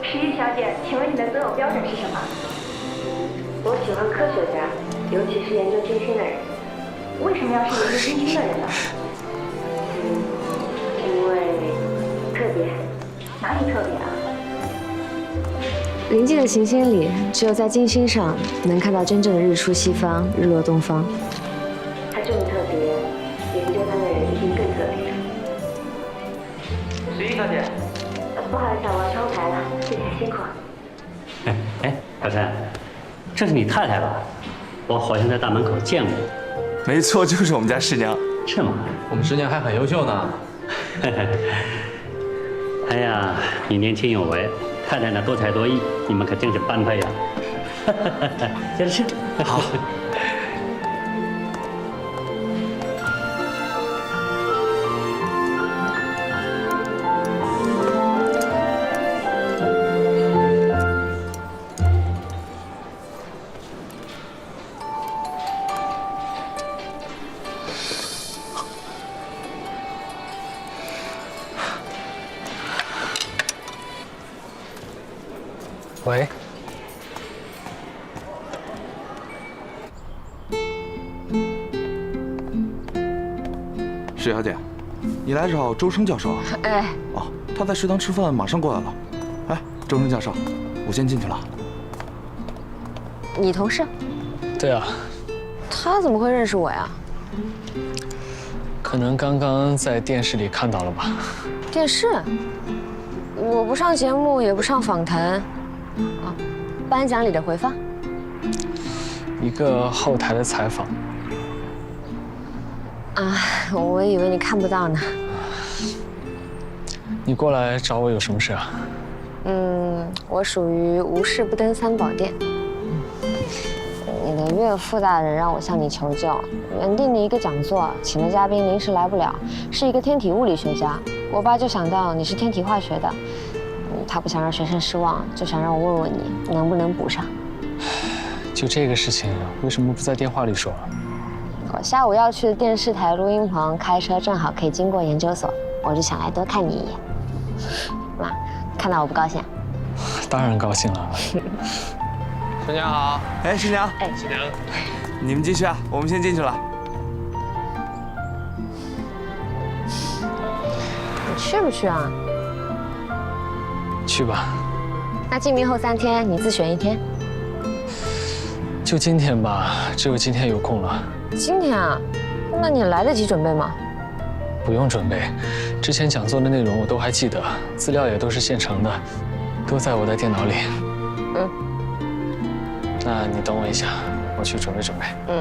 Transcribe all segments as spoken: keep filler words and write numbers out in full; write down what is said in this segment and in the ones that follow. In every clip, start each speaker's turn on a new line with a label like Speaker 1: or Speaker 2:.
Speaker 1: 十一小姐，请问你的择偶标准是什么？
Speaker 2: 我喜欢科学家，尤其是研究金星的人。
Speaker 1: 为什么要是研究金星的人呢？
Speaker 2: 嗯，因为特别。
Speaker 1: 哪里特别啊？
Speaker 3: 临近的行星里，只有在金星上能看到真正的日出西方、日落东方。
Speaker 2: 它这么特别，研究它的人一定更特别。
Speaker 4: 十一小姐，
Speaker 2: 不好意思，我要去后台了，谢谢辛苦。
Speaker 4: 哎哎，小陈，这是你太太吧？我好像在大门口见过。
Speaker 5: 没错，就是我们家师娘。
Speaker 4: 是吗？
Speaker 6: 我们师娘还很优秀呢。
Speaker 4: 哎呀，你年轻有为，太太呢多才多艺，你们可真是般配呀！接着吃。
Speaker 5: 好。
Speaker 6: 喂，
Speaker 5: 石小姐，你来找周生教授啊？
Speaker 3: 哎，
Speaker 5: 哦，他在食堂吃饭，马上过来了。哎，周生教授，我先进去了。
Speaker 3: 你同事？
Speaker 6: 对啊，
Speaker 3: 他怎么会认识我呀？
Speaker 6: 可能刚刚在电视里看到了吧。
Speaker 3: 电视？我不上节目，也不上访谈。啊，颁奖礼的回放，
Speaker 6: 一个后台的采访。
Speaker 3: 啊，我以为你看不到呢。
Speaker 6: 你过来找我有什么事啊？
Speaker 3: 嗯，我属于无事不登三宝殿。你的岳父大人让我向你求救，原定的一个讲座，请的嘉宾临时来不了，是一个天体物理学家。我爸就想到你是天体化学的。他不想让学生失望，就想让我问问你能不能补上。
Speaker 6: 就这个事情，为什么不在电话里说？
Speaker 3: 我下午要去的电视台录音棚，开车正好可以经过研究所，我就想来多看你一眼。妈，看到我不高兴？
Speaker 6: 当然高兴了。师娘好。
Speaker 5: 哎，师娘。
Speaker 3: 哎，
Speaker 6: 师娘。
Speaker 5: 你们继续啊，我们先进去了。
Speaker 3: 你去不去啊？
Speaker 6: 去吧。
Speaker 3: 那进明后三天，你自选一天。
Speaker 6: 就今天吧，只有今天有空了。
Speaker 3: 今天啊？那你来得及准备吗？
Speaker 6: 不用准备，之前讲座的内容我都还记得，资料也都是现成的，都在我的电脑里。
Speaker 3: 嗯。
Speaker 6: 那你等我一下，我去准备准备。
Speaker 3: 嗯。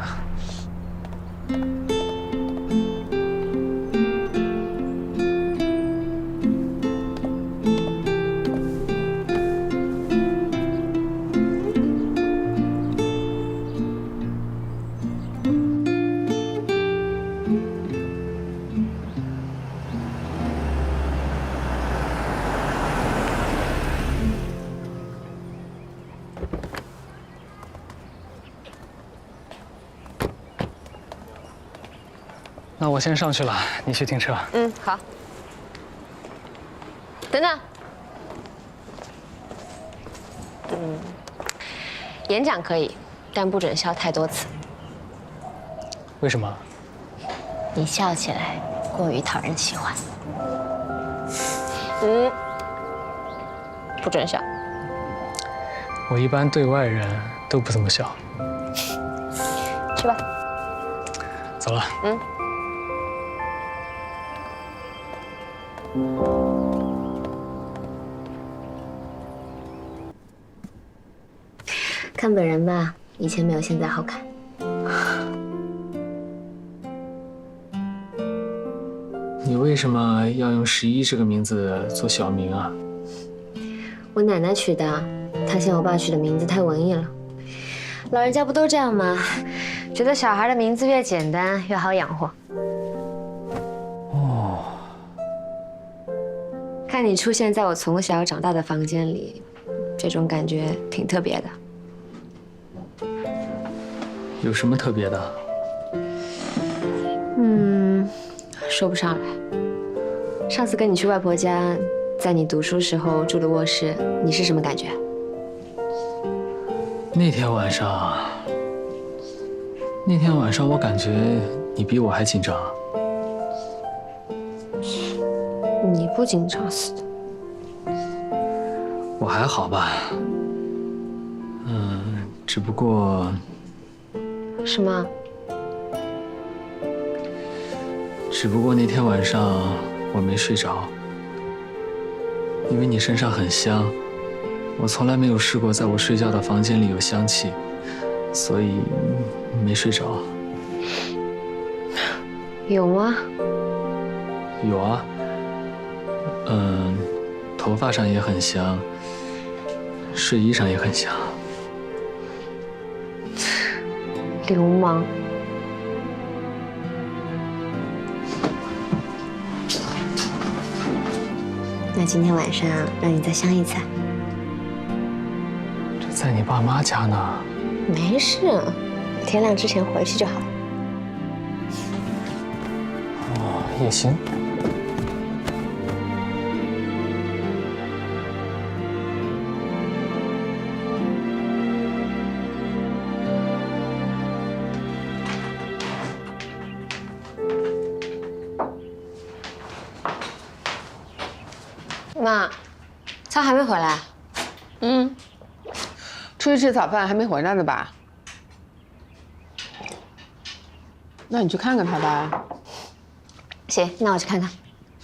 Speaker 6: 那我先上去了，你去停车。
Speaker 3: 嗯，好。等等。嗯，演讲可以，但不准笑太多次。
Speaker 6: 为什么？
Speaker 3: 你笑起来过于讨人喜欢。嗯，不准笑。
Speaker 6: 我一般对外人都不怎么笑。
Speaker 3: 去吧。
Speaker 6: 走了。
Speaker 3: 嗯。看本人吧，以前没有现在好看。
Speaker 6: 你为什么要用十一这个名字做小名啊？
Speaker 3: 我奶奶取的，她嫌我爸取的名字太文艺了。老人家不都这样吗？觉得小孩的名字越简单越好养活。
Speaker 6: 哦。
Speaker 3: 看你出现在我从小长大的房间里，这种感觉挺特别的。
Speaker 6: 有什么特别的？
Speaker 3: 嗯，说不上来。上次跟你去外婆家， 在你读书时候住的卧室，你是什么感觉？
Speaker 6: 那天晚上，那天晚上我感觉你比我还紧张。
Speaker 3: 你不紧张死的。
Speaker 6: 我还好吧，嗯，只不过
Speaker 3: 什么？
Speaker 6: 只不过那天晚上我没睡着，因为你身上很香，我从来没有试过在我睡觉的房间里有香气，所以没睡着。
Speaker 3: 有吗？
Speaker 6: 有啊，嗯，头发上也很香，睡衣上也很香。
Speaker 3: 流氓。那今天晚上让你再香一次。
Speaker 6: 这在你爸妈家呢。
Speaker 3: 没事，天亮之前回去就好了。
Speaker 6: 哦，也行。
Speaker 3: 妈，他还没回来。
Speaker 7: 嗯，出去吃早饭还没回来呢吧？那你去看看他吧。
Speaker 3: 行，那我去看看。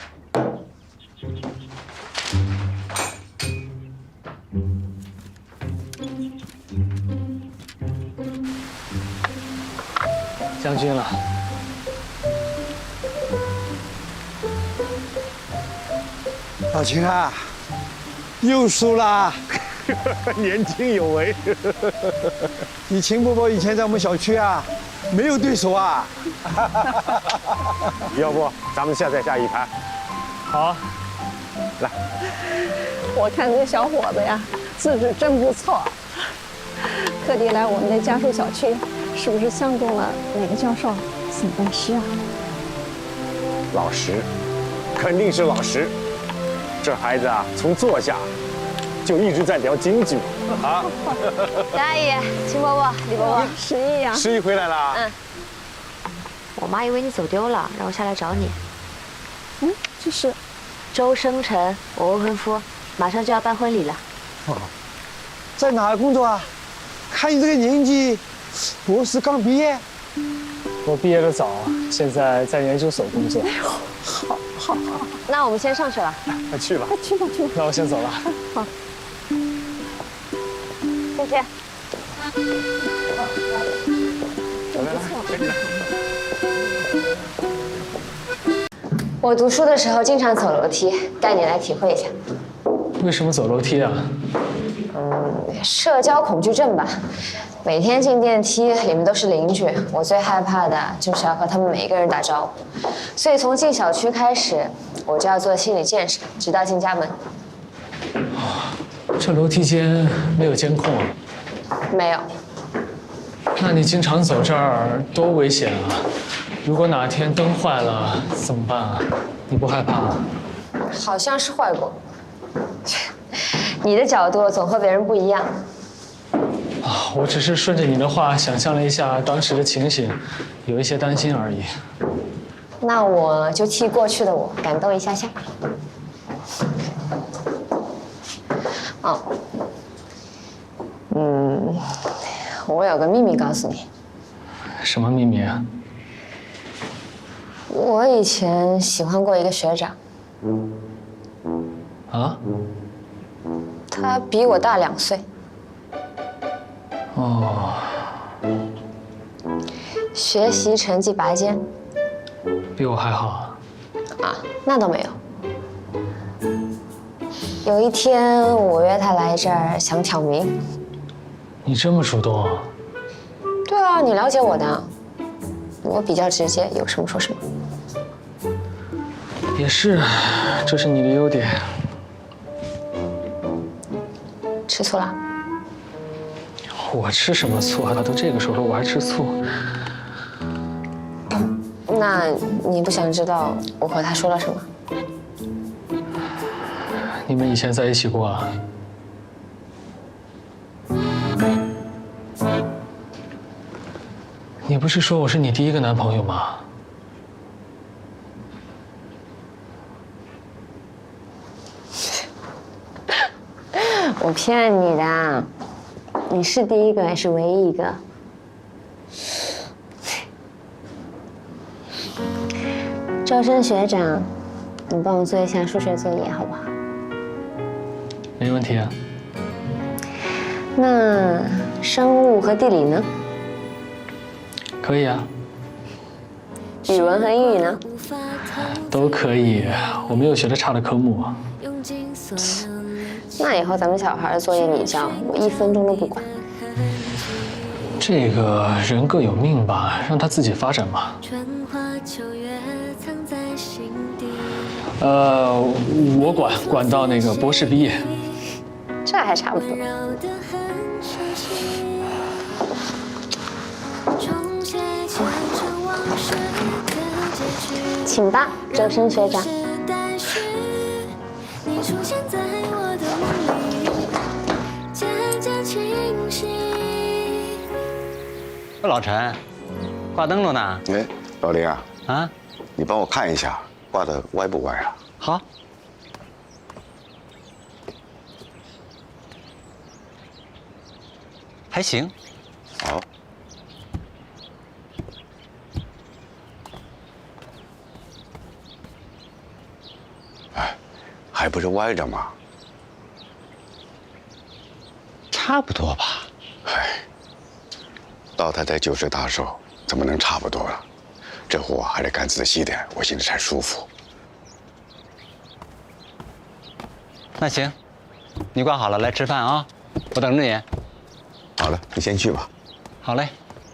Speaker 6: 将军了。
Speaker 8: 老秦啊，又输啦！
Speaker 9: 年轻有为。
Speaker 8: 你秦伯伯以前在我们小区啊，没有对手啊。
Speaker 9: 要不咱们下再下一盘？
Speaker 6: 好啊，
Speaker 9: 来。
Speaker 10: 我看这小伙子呀，资质真不错，特地来我们的家属小区，是不是相中了哪个教授沈大师啊？
Speaker 9: 老实，肯定是老实。这孩子啊，从坐下就一直在聊京剧啊。
Speaker 3: 张阿姨、秦伯伯、李伯伯，
Speaker 10: 十一呀，
Speaker 9: 十一回来了。
Speaker 3: 嗯。我妈以为你走丢了，让我下来找你。
Speaker 10: 嗯，这是
Speaker 3: 周生辰，我未婚夫，马上就要办婚礼了。
Speaker 8: 哦，在哪儿工作啊？看你这个年纪，博士刚毕业。
Speaker 6: 我毕业的早，现在在研究所工作。
Speaker 10: 哎呦，好，好，好。
Speaker 3: 那我们先上去了。
Speaker 9: 快去吧。
Speaker 10: 快去吧，去吧。
Speaker 6: 那我先走了。
Speaker 10: 好。
Speaker 3: 再见。
Speaker 9: 来来来，跟你来。
Speaker 3: 我读书的时候经常走楼梯，带你来体会一下。
Speaker 6: 为什么走楼梯啊？
Speaker 3: 嗯，社交恐惧症吧。每天进电梯，里面都是邻居，我最害怕的就是要和他们每一个人打招呼。所以从进小区开始，我就要做心理建设，直到进家门。
Speaker 6: 这楼梯间没有监控啊？
Speaker 3: 没有。
Speaker 6: 那你经常走这儿多危险啊！如果哪天灯坏了怎么办啊？你不害怕啊？
Speaker 3: 好像是坏过。你的角度总和别人不一样。
Speaker 6: 啊，我只是顺着你的话想象了一下当时的情形，有一些担心而已。
Speaker 3: 那我就替过去的我感动一下下。哦，嗯，我有个秘密告诉你。
Speaker 6: 什么秘密啊？
Speaker 3: 我以前喜欢过一个学长。
Speaker 6: 啊？
Speaker 3: 他比我大两岁。
Speaker 6: 哦。
Speaker 3: 学习成绩拔尖。
Speaker 6: 比我还好。
Speaker 3: 啊，那倒没有。有一天我约他来这儿，想挑明。
Speaker 6: 你这么主动啊？
Speaker 3: 对啊，你了解我的，我比较直接，有什么说什么。
Speaker 6: 也是，这是你的优点。
Speaker 3: 吃醋了？
Speaker 6: 我吃什么醋啊？都这个时候了，我还吃醋？
Speaker 3: 那你不想知道我和他说了什么？
Speaker 6: 们以前在一起过啊？你不是说我是你第一个男朋友吗？
Speaker 3: 我骗你的，你是第一个，也是唯一一个。周深学长，你帮我做一下数学作业好不好？
Speaker 6: 没问题啊。
Speaker 3: 那生物和地理呢？
Speaker 6: 可以啊。
Speaker 3: 语文和英语呢？
Speaker 6: 都可以，我没有学的差的科目。
Speaker 3: 那以后咱们小孩的作业你交，我一分钟都不管。
Speaker 6: 这个人各有命吧，让他自己发展吧。呃，我管管到那个博士毕业。
Speaker 3: 这还差不多。请吧，周深学长。
Speaker 11: 老陈，挂灯笼呢？
Speaker 12: 哎，老林啊，
Speaker 11: 啊，
Speaker 12: 你帮我看一下，挂的歪不歪啊？
Speaker 11: 好。还行。
Speaker 12: 好。哎，还不是歪着吗？
Speaker 11: 差不多吧。
Speaker 12: 哎。老太太九十大寿，怎么能差不多了？这活还得干仔细点，我心里才舒服。
Speaker 11: 那行，你挂好了来吃饭啊，我等着你。
Speaker 12: 好了，你先去吧。
Speaker 11: 好嘞。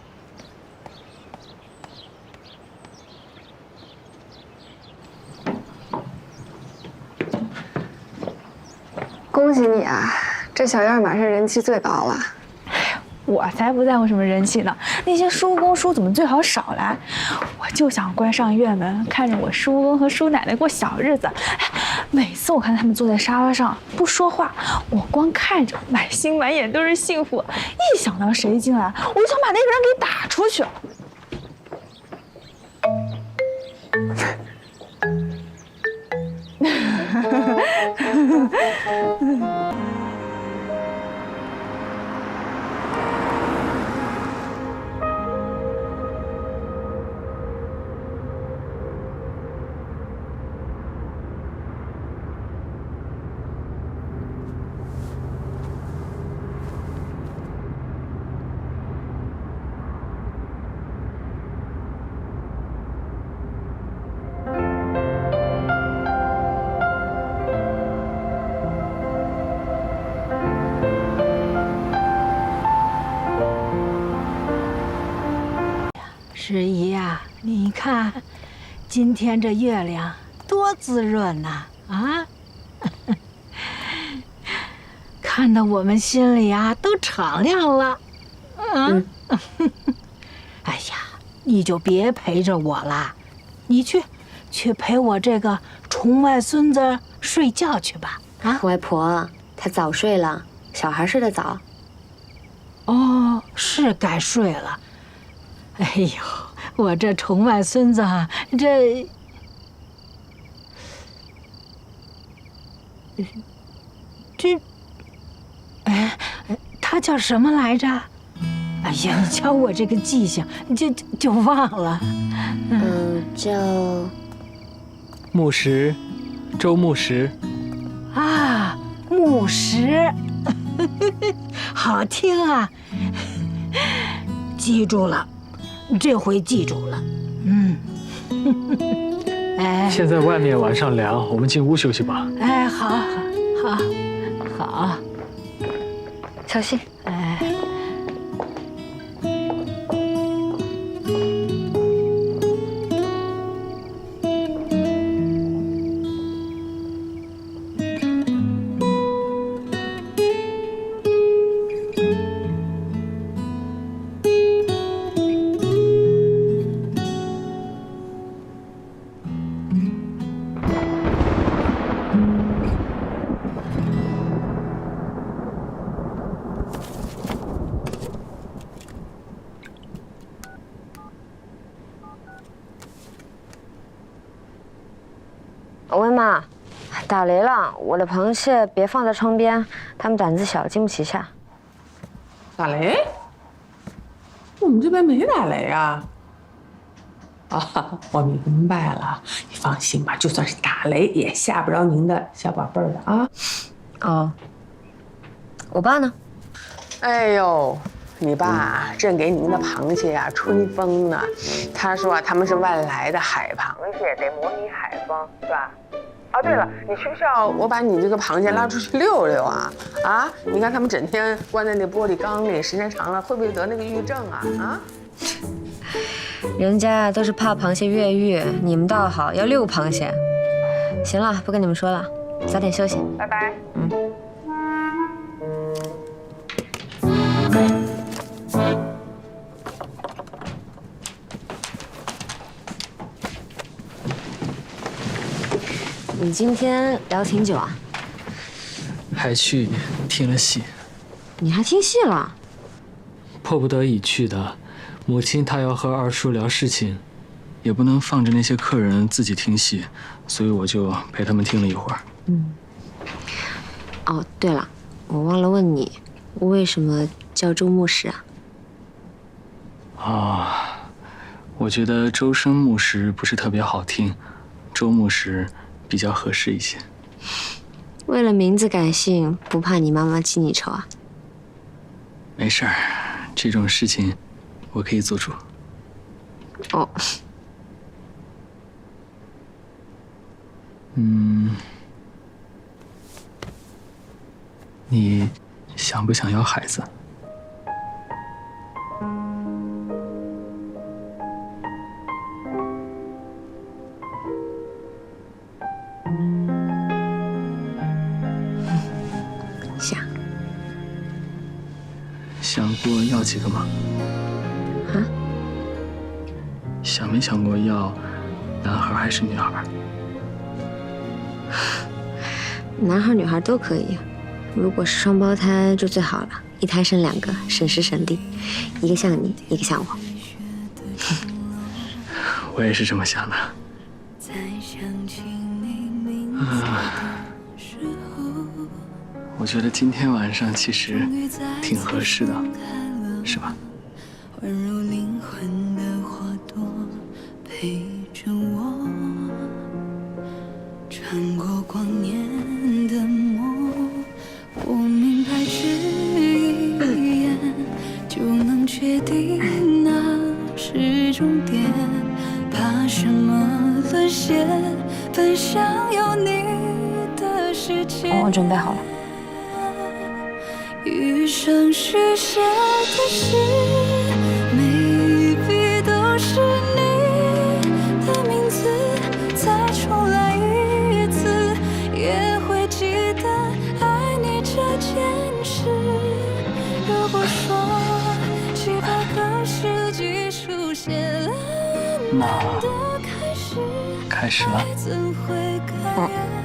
Speaker 13: 恭喜你啊，这小院马上人气最高了。
Speaker 14: 我才不在乎什么人气呢，那些叔公叔怎么最好少来？我就想关上院门，看着我叔公和叔奶奶过小日子。每次我看他们坐在沙发上不说话，我光看着，满心满眼都是幸福。一想到谁进来，我就想把那个人给打出去。
Speaker 15: 十姨呀，你看，今天这月亮多滋润呐！啊，看得我们心里呀都敞亮了。嗯，哎呀，你就别陪着我了，你去，去陪我这个虫外孙子睡觉去吧。
Speaker 3: 啊，外婆，他早睡了，小孩睡得早。
Speaker 15: 哦，是该睡了。哎呦，我这虫外孙子，这这，哎，他叫什么来着？哎呀，你瞧我这个记性，就就就忘了。
Speaker 3: 嗯，叫
Speaker 6: 牧石，周牧石。
Speaker 15: 啊，牧石，好听啊！记住了。这回记住了，嗯。哎，
Speaker 6: 现在外面晚上凉，我们进屋休息吧。
Speaker 15: 哎，好，好，好，好，
Speaker 3: 小心。
Speaker 15: 哎。
Speaker 3: 打雷了，我的螃蟹别放在窗边，它们胆子小，经不起下。
Speaker 7: 打雷？我们这边没打雷啊。啊，我明白了，你放心吧，就算是打雷也吓不着您的小宝贝儿的啊。
Speaker 3: 哦，我爸呢？
Speaker 7: 哎呦，你爸正给你们的螃蟹呀、啊、吹风呢。他说啊，他们是外来的海螃蟹，得模拟海风，是吧？哦，对了，你需不需要我把你这个螃蟹拉出去溜溜啊？啊，你看他们整天关在那玻璃缸里，时间长了会不会得那个抑郁症啊？啊？
Speaker 3: 人家都是怕螃蟹越狱，你们倒好，要遛螃蟹。行了，不跟你们说了，早点休息，
Speaker 7: 拜拜。
Speaker 3: 嗯。你今天聊挺久啊？
Speaker 6: 还去听了戏。
Speaker 3: 你还听戏了？
Speaker 6: 迫不得已去的。母亲她要和二叔聊事情，也不能放着那些客人自己听戏，所以我就陪他们听了一会儿。
Speaker 3: 嗯。哦，对了，我忘了问你，为什么叫周牧师啊？
Speaker 6: 啊，我觉得周生牧师不是特别好听，周牧师比较合适一些。
Speaker 3: 为了名字改姓，不怕你妈妈记你仇啊？
Speaker 6: 没事儿，这种事情我可以做主。
Speaker 3: 哦。
Speaker 6: 嗯，你想不想要孩子？
Speaker 3: 想。
Speaker 6: 想过要几个吗？
Speaker 3: 啊？
Speaker 6: 想没想过要男孩还是女孩？
Speaker 3: 男孩女孩都可以，如果是双胞胎就最好了，一胎生两个，省时省力，一个像你，一个像我。
Speaker 6: 我也是这么想的。啊，我觉得今天晚上其实挺合适的，是吧？
Speaker 16: 宛如灵魂的花朵陪着我，穿过光年的梦，我明白只一眼就能确定那是终点，怕什么沦陷，奔向有你的世界。
Speaker 3: 我准备好了。
Speaker 16: 余生许下的事，每一笔都是你的名字，再重来一次，也会记得爱你这件事。如果说几百个世纪出现了
Speaker 6: 那开始了。
Speaker 16: 怎会改变？